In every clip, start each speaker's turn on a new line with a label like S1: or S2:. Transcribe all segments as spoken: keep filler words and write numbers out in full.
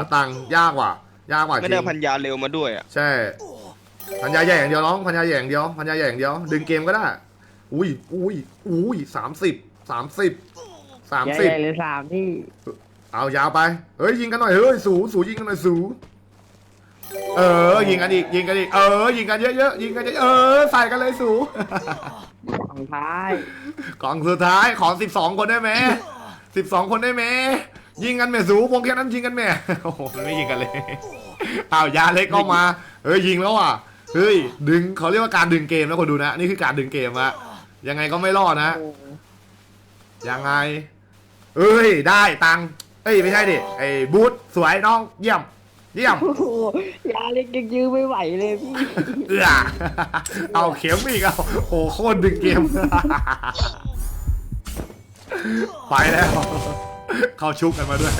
S1: ตังค์ยากกว่ายากกว่าจ
S2: ไม่
S1: ริ
S2: ได้
S1: ง
S2: พันยาเร็วมาด้วยอ่ะ
S1: ใช่พันยาใหญ่อย่างเดียวน้องพันยาใหญ่อย่างเดียวพันยาใหญ่อย่างเดียวดึงเกมก็ได้อุ้ยอุ้ยอุ้ยสามสิบสามสิบสาม
S3: ใหญ่
S1: สิบ
S3: หรือสามที่
S1: เอายาวไปเฮ้ยยิงกันหน่อยเฮ้ยสูสูยิงกันหน่อยสูเออยิงกันอีกยิงกันอีกเออยิงกันเยอะๆยิงกันเยอะๆเออใส่กันเลยสู
S3: ของท้าย
S1: กล่องสุดท้ายขอสิบสองคนได้ไหมสิบสองคนได้ไหมยิงกันแม่สูวงแค่นั้นยิงกันแม่โอ้โหมันไม่ยิงกันเลยอ้าวยาเล็กก็มาเฮ้ยยิงแล้วอ่ะเฮ้ยดึงเขาเรียกว่าการดึงเกมนะคนดูนะนี่คือการดึงเกมอะยังไงก็ไม่รอดนะยังไงเอ้ยได้ตังค์เอ้ยไม่ใช่ดิไอ้บูธสวยน้องเยี่ยมเยี่ยม
S3: โอ้โหยาเล็กยังยื้อไม่ไหวเลยพี่
S1: เอื้อเอาเข็มอีกเอาโอ้โคตรดึงเกมไปแล้วเขาชุบกันมาด้วย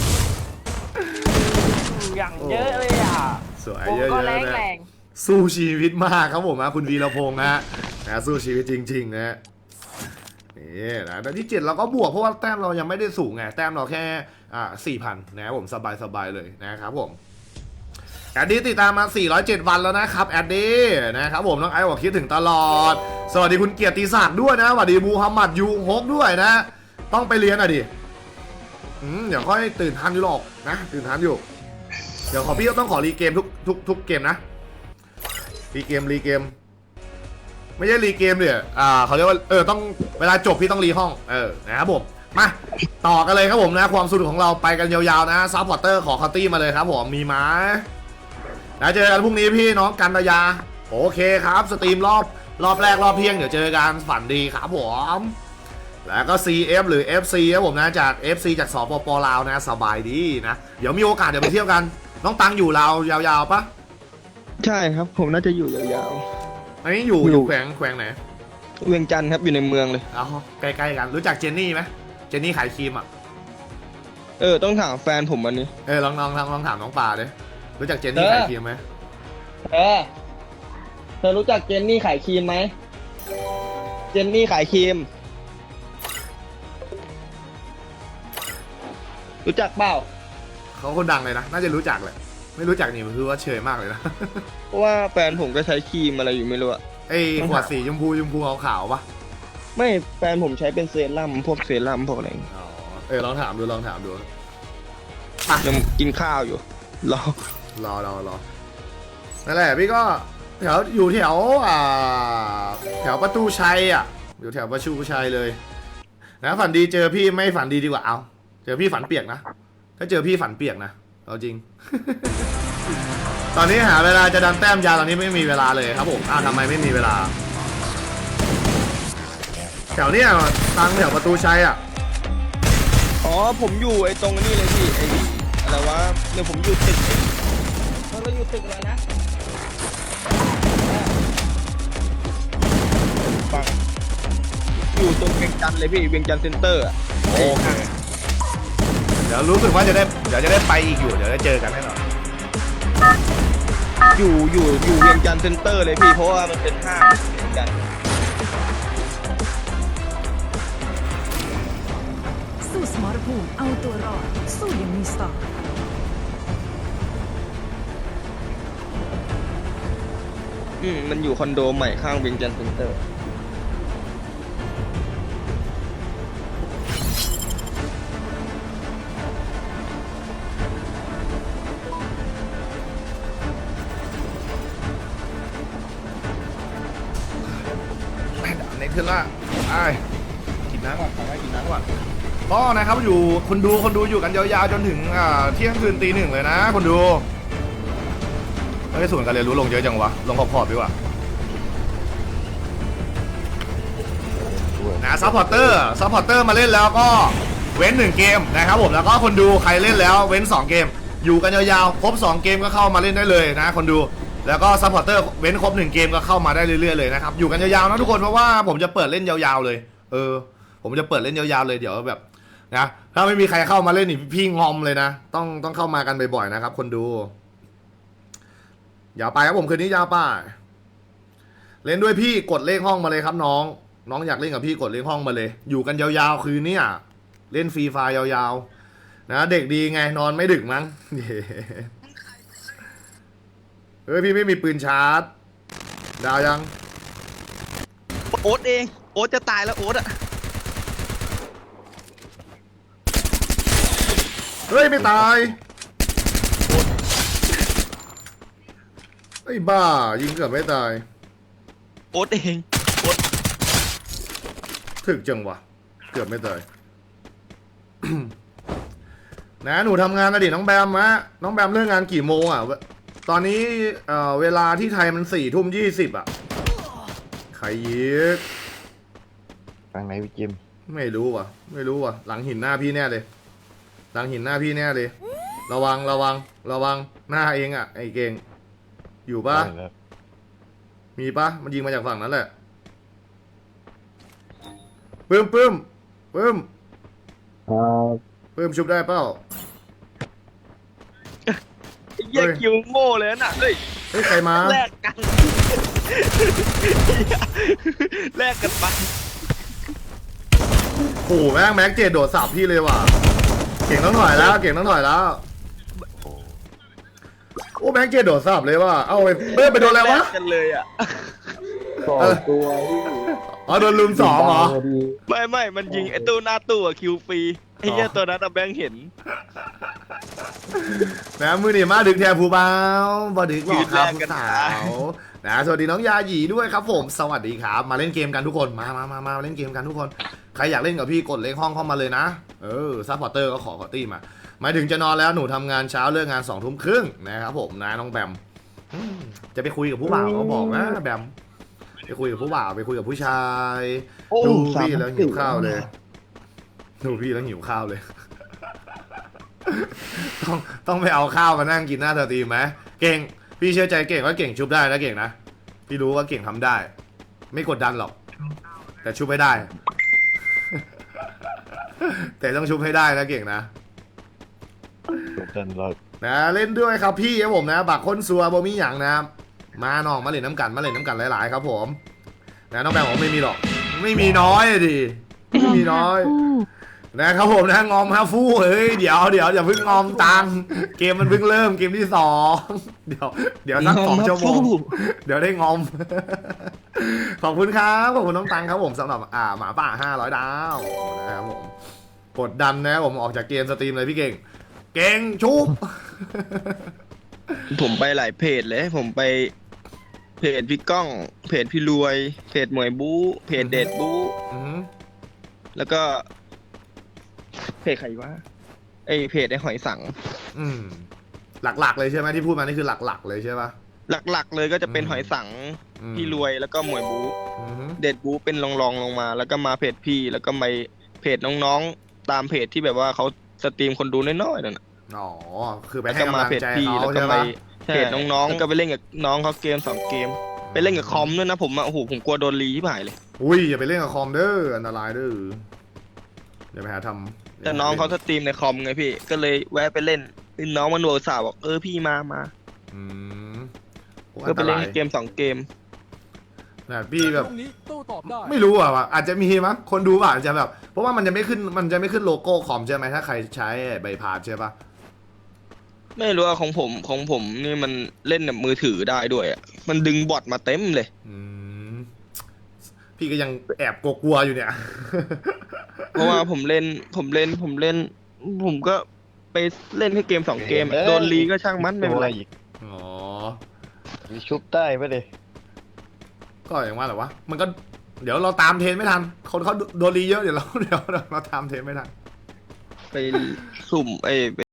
S3: อย่างเยอะเลยอ่ะ
S1: สวย
S3: ผม
S1: เยอะ
S3: ก็
S1: ๆ
S3: แรง
S1: นะ
S3: แรง
S1: สู้ชีวิตมากครับผมนะคุณวีรพงษ์นะนะสู้ชีวิตจริงๆนะนี่นะแต่ที่เจ็ดเราก็บวกเพราะว่าแต้มเรายังไม่ได้สูงไงแต้มเราแค่อ่าสี่พันนะครับผมสบายๆเลยนะครับผมแอดดี้ติดตามมาสี่ร้อยเจ็ดวันแล้วนะครับแอดดี้นะครับผมน้องไอ้บอกคิดถึงตลอดสวัสดีคุณเกียรติศักดิ์ด้วยนะสวัสดีมูฮัมหมัดยูฮกด้วยนะต้องไปเรียนอ่ะดิอืมเดี๋ยวค่อยตื่นทันอยู่หรอกนะตื่นทันอยู่เดี๋ยวขอพี่ต้องขอรีเกมทุกทุกทุกเกมนะรีเกมรีเกมไม่ใช่รีเกมเนี่ยอ่าเขาเรียกว่าเออต้องเวลาจบพี่ต้องรีห้องเออนะครับผมมาต่อกันเลยครับผมนะความสนุกของเราไปกันยาวๆนะซัพพอร์เตอร์ขอคัตตี้มาเลยครับผมมีไหมแล้วเจอกันพรุ่งนี้พี่น้องกันตยาโอเคครับสตรีมรอบรอบแรกรอบเที่ยงเดี๋ยวเจอกันฝันดีครับผมแล้วก็ ซี เอฟ หรือ เอฟ ซี ครับผมนะจาก เอฟ ซี จากสปปลาวนะสบายดีนะเดี๋ยวมีโอกาสเดี๋ยวไปเที่ยวกันน้องตังอยู่ลาวยาวๆปะ
S2: ใช่ครับผมน่าจะอยู่ยาว
S1: อันนี้อยู่
S2: อยู่
S1: อยู่แขวงแขวงไหน
S2: ๆเวียงจันทร์ครับอยู่ในเมืองเลย
S1: เอาใกล้ๆกันรู้จักเจนนี่ไหมเจนนี่ขายครีมอ่ะ
S2: เออต้องถามแฟนผมอันนี้
S1: เออลองลองลองลองถามน้องปลาดิรู้จักเจนนี่ขายครีมไหม
S2: เออเธอรู้จักเจนนี่ขายครีมไหมเจนนี่ขายครีมรู้จักเปล่า
S1: เขาคนดังเลยนะน่าจะรู้จักแหละไม่รู้จักนี่คือว่าเชยมากเลยนะ
S2: เพราะว่าแฟนผมก็ใช้ครีมอะไรอยู่ไม่รู้อะ
S1: ไอ้ขวดสีชมพูชมพูขาวๆปะ
S2: ไม่แฟนผมใช้เป็นเซรั่มพวกเซรั่มพวกอะไรอย่างเงี้ย
S1: อ๋อเออลองถามดูลองถามดู
S2: ยังกินข้าวอยู่รอ
S1: รอรอรอนั่นแหละพี่ก็แถวอยู่แถวอ่าแถวประตูชัยอ่ะอยู่แถวประตูชัยเลยนะฝันดีเจอพี่ไม่ฝันดีดีกว่าเอาเจอพี่ฝันเปียกนะถ้าเจอพี่ฝันเปียกนะเอาจริง ตอนนี้หาเวลาจะดันแต้มยาตอนนี้ไม่มีเวลาเลยครับผมอ้าวทำไมไม่มีเวลา แถวเนี้ยทางแถวประตูชัยอ่ะ
S2: อ๋อผมอยู่ไอ้ตรงนี้เลยพี่ไอ้อะไรวะเนี่ยผมอยู่ตึกเราเราอยู่ตึกอะไรนะฟังอยู่ตรงเวียงจันทร์เลยพี่เวียงจันทร์เซ็นเตอร์อะ
S1: โอเคเดี๋ยวรู้สึกว่าจะได้เดี๋ยวจะได้ไปอีกอยู่เดี๋ยวได้เจอกันแน่นอน
S2: อยู่อยู่อยู่เวียงจันทร์เซ็นเตอร์เลยพี่เพราะว่ามันเป็นห้างเวียงจันทร์
S4: สู้สมรภูมิเอาตัวรอดสู้อยังมีสไตล์
S2: อืมมันอยู่คอนโดใหม่ข้างเวียงจันทร์เซ็นเตอร์
S1: แม่ด่านนี้ขึ้นละไอ้กินน้ำก่อนขอให้กินน้ำก่อนก็นะครับอยู่คนดูคนดูอยู่กันยาวๆจนถึงอ่าเที่ยงคืนตีหนึ่งเลยนะคนดูไม่ได้ส่วนกันเรียนรู้ลงเยอะจังวะลงขอบๆดีกว่านะซัพพอร์เตอร์ซัพพอร์เตอร์มาเล่นแล้วก็เว้นหนึ่งเกมนะครับผมแล้วก็คนดูใครเล่นแล้วเว้นสองเกมอยู่กันยาวๆครบสองเกมก็เข้ามาเล่นได้เลยนะคนดูแล้วก็ซัพพอร์เตอร์เว้นครบหนึ่งเกมก็เข้ามาได้เรื่อยๆเลยนะครับอยู่กันยาวๆนะทุกคนเพราะว่าผมจะเปิดเล่นยาวๆเลยเออผมจะเปิดเล่นยาวๆเลยเดี๋ยวแบบนะถ้าไม่มีใครเข้ามาเล่นนี่พี่งอมเลยนะต้องต้องเข้ามากันบ่อยๆนะครับคนดูยาวไปครับผมคืนนี้ยาวไปเล่นด้วยพี่กดเลขห้องมาเลยครับน้องน้องอยากเล่นกับพี่กดเลขห้องมาเลยอยู่กันยาวๆคืนนี้เล่นฟรีไฟล์ยาวๆนะเด็กดีไงนอนไม่ดึกมั้ง เย้เฮ้ยพี่ไม่มีปืนชาร์จดาวยัง
S2: โอ๊ตเองโอ๊ตจะตายแล้วโอ๊ตอะ
S1: เฮ้ยไม่ตายไอ้ยบ้ายิงเกือบไม่ตาย
S2: โอ๊ตเองโอ๊ต
S1: ถึกจังวะเกือบไม่ตาย นะหนูทำงานอดีตน้องแบมมะน้องแบมเลิกงานกี่โมงอ่ะ ตอนนี้เอ่อเวลาที่ไทยมันสี่ทุ่มยี่สิบอ่ะใครยิก
S5: ทางไหนพี่จิม
S1: ไม่รู้ว่ะ ไม่รู้ว่ะ หลังหินหน้าพี่แน่เลย หลังหินหน้าพี่แน่เลย ระวังระวังระวังหน้าเองอ่ะไอ้เก่งอยู่ปะ
S5: ได้แล้ว
S1: มีปะมันยิงมาจากฝั่งนั้นแหละปื้มปื้มปื้ม
S3: ครับ
S1: ปื้มชุบได้เปล่า
S2: ไอ้เหี้ย
S1: เฮ้ย
S2: คิวโง่เลยน่ะเฮ้ย
S1: เฮ้ยใครมา
S2: แลกกัน แลกกันไป
S1: โอ้โหแม่งแม็กเจดโดดสับพี่เลยว่ะ เก่งต้องถอยแล้ว เก่งต้องถอยแล้ว โอ้แม็กเจดโดดสับเลยว่ะ เอาไปเฮ้ยไปโดนอะไรวะ
S2: แลกกันเลยอ่ะ
S3: สองตัวพี่
S1: อ๋อโดนลุมสองเหรอ
S3: พอดี
S2: ไม่ไม่มันยิงไอ้ตู้หน้าตู้อะคิวฟรีไอ้เหี้ย
S1: อ๋อ
S2: ตัวนั้นอะแบงค์เห็น
S1: นะมือนี่มาดึกแทนผู้เบาบอดึกหรอกครับ
S2: ยืนแลกกัน
S1: ผู้สาวนะสวัสดีน้องยาหยีด้วยครับผม สวัสดีครับ มาเล่นเกมกันทุกคน มามามามาเล่นเกมกันทุกคน ใครอยากเล่นกับพี่กดเลขห้องเข้ามาเลยนะ เออซัพพอร์เตอร์ก็ขอขอตี้มา หมายถึงจะนอนแล้วหนูทำงานเช้าเลิกงานสองทุ่มครึ่งนะครับผมนะน้องแบมอืมจะไปคุยกับผู้บ่าวก็บอกนะแบม ไปคุยกับผู้บ่าวไปคุยกับผู้ชาย
S2: โอ้
S1: ดูพี่แล้วหิวข้าวเลย ดูพี่แล้วหิวข้าวเลย ต้องต้องไปเอาข้าวมานั่งกินหน้าสตรีมไหมเก่งพี่เชื่อใจเก่งว่าเก่งชุบได้นะเก่งนะพี่รู้ว่าเก่งทำได้ ไม่กดดันหรอก แต่ชุบให้ได้ แต่ต้องชุบให้ได้นะเก่งนะ
S5: จบกันเรา
S1: นะเล่นด้วยครับพี่ครับผมนะบักคนซัวบ่มีอย่างนะมาน้องมาเล่นน้ำกันมาเล่นน้ำกันหลายๆครับผมนะน้องแบงค์บอกไม่มีหรอก ไม่มีน้อยอะดิไม่มีน้อย นะครับผมนะงอมฮาฟู่เฮ้ยเดี๋ยวเดี๋ยวอย่าเพิ่งงอมตังเกมมันเพิ่งเริ่มเกมที่สองเดี๋ยวเดี๋ยวสักสองชั่วโมงเดี๋ยวได้งอม ขอบคุณครับขอบคุณน้องตังครับผมสำหรับอ่าหมาป่าห้าร้อยดาวนะครับผมกดดันนะผมออกจากเกมสตรีมเลยพี่เก่ง เก่งชุบ
S2: ผมไปหลายเพจเลย ผมไปเพจพี่ก้อง เพจพี่รวย เพจหมวยบู๊เพจเดดบู๊
S1: อือหือ
S2: แล้วก็ เพจใครวะไอเพจไอหอยสัง
S1: อืมหลักๆเลยใช่ไหมที่พูดมานี่คือหลักๆเลยใช่ปะ
S2: หลักๆเลยก็จะเป็น
S1: อืม
S2: หอยสัง
S1: อืม
S2: พี่รวยแล้วก็หมวยบู๊
S1: อือหือ
S2: เดดบู๊เป็นรองๆลงมา แล้วก็มาเพจพี่ แล้วก็ไปเพจน้องๆตามเพจที่แบบว่าเขาสตรีมคนดูน้อยๆนั่นน่ะ
S1: อ๋อคือไป
S2: แล้ว
S1: ให้
S2: ก็
S1: กำ
S2: มา
S1: ลัง
S2: เพจ
S1: ใจ
S2: พี่
S1: เขา
S2: แล้วก็
S1: ใช่
S2: ไป
S1: ปะ
S2: เพจน้องๆแล้วก็ไปเล่นกับน้องเขาเกมสองเกม ไปเล่นกับคอมด้วยนะผมอะโอ้โหผมกลัวโดนรีที่ผ่ายเลย
S1: อุ้ยอย่าไปเล่นกับคอมเด้ออันตรายเด้ออย่าไปหาทำ
S2: แต่น้องเขาสตรีมในคอมไงพี่ ก็เลยแวะไปเล่นน้องมันโวสาวบอกเออพี่มามา
S1: อืมโอ้
S2: ก็
S1: อัน
S2: ไป
S1: ต
S2: เล่น
S1: ราย
S2: เกมสองเกม
S1: นะพี่แบบ
S6: ตรงนี้โต้ตอบได้
S1: ไม่รู้อ่ะว่ะอาจจะมีมั้งคนดูอาจจะแบบ เพราะว่ามันจะไม่ขึ้นมันจะไม่ขึ้นโลโก้คอมใช่ไหมถ้าใครใช้ใบพาสใช่ปะ
S2: ไม่รู้ว่าของผมของผมนี่มันเล่นแบบมือถือได้ด้วยอะมันดึงบอทมาเต็มเลย
S1: อืมพี่ก็ยังแอบกลัวๆอยู่เนี่ย
S2: เพราะว่าผมเล่นผมเล่นผมเล่น ผมก็ไปเล่นแค่เกมสองเกมอะโดนรีก็ช่างมันไม่เป็นไร
S5: อีก
S1: อ๋อ
S5: มีชุบได้ปะเด
S1: ก็อย่างว่าแหละวะมันก็เดี๋ยวเราตามเทรนไม่ทันคนเขาโดนรีเยอะเดี๋ยวเราเดี๋ยวเราตามเทรนไม่ทัน
S2: ไปสุ่มไอ้